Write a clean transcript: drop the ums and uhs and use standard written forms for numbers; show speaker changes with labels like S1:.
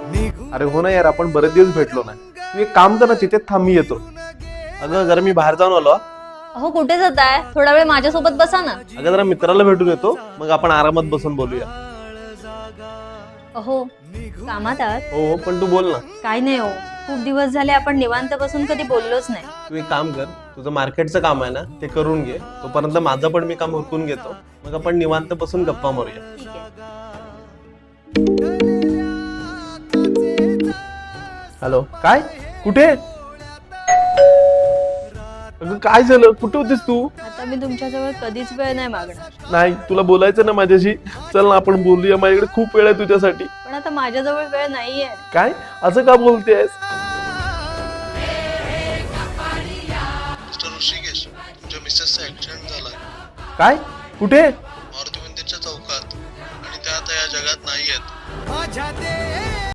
S1: अरे हो ना यार, आपण बरेच दिवस भेटलो नाही. तू एक काम कर ना, तिथेच थांब, मी येतो. अगं जरा मी बाहेर जाऊन आलो.
S2: अहो कुठे जाताय? थोडा वेळ माझ्यासोबत बसा ना.
S1: अगं जरा मित्राला भेटून येतो, मग आपण आरामात बसून बोलूया.
S2: अहो कामात आहात?
S1: हो पण तू बोल ना.
S2: काय नाही हो, खूप दिवस झाले आपण निवांत बसून कधी बोललोच नाही.
S1: तू एक काम कर, तुझं मार्केटचं काम आहे ना ते करून घे, तोपर्यंत माझं पण मी काम उरकून घेतो, मग आपण निवांत बसून गप्पा मारूया.
S2: ठीक आहे.
S1: हॅलो, काय? कुठे? अगं काय झालं? कुठे होतीस तू?
S2: आता मी तुमच्याजवळ कधीच वेळ नाही मागणार,
S1: नाही, तुला बोलायचं ना माझ्याशी. चल ना आपण बोलूया, माझ्याकडे खूप वेळ आहे तुझ्यासाठी.
S2: पण आता माझ्याजवळ वेळ नाहीये.
S1: काय असं का बोलतेस?
S3: मिस्टर ऋषिकेश, तुमच्या मिसेसचा ऍक्सिडेंट झालाय
S1: काय? कुठे?
S3: मारुती मंदिरच्या चौकात, आणि त्या आता या जगात नाही आहेत.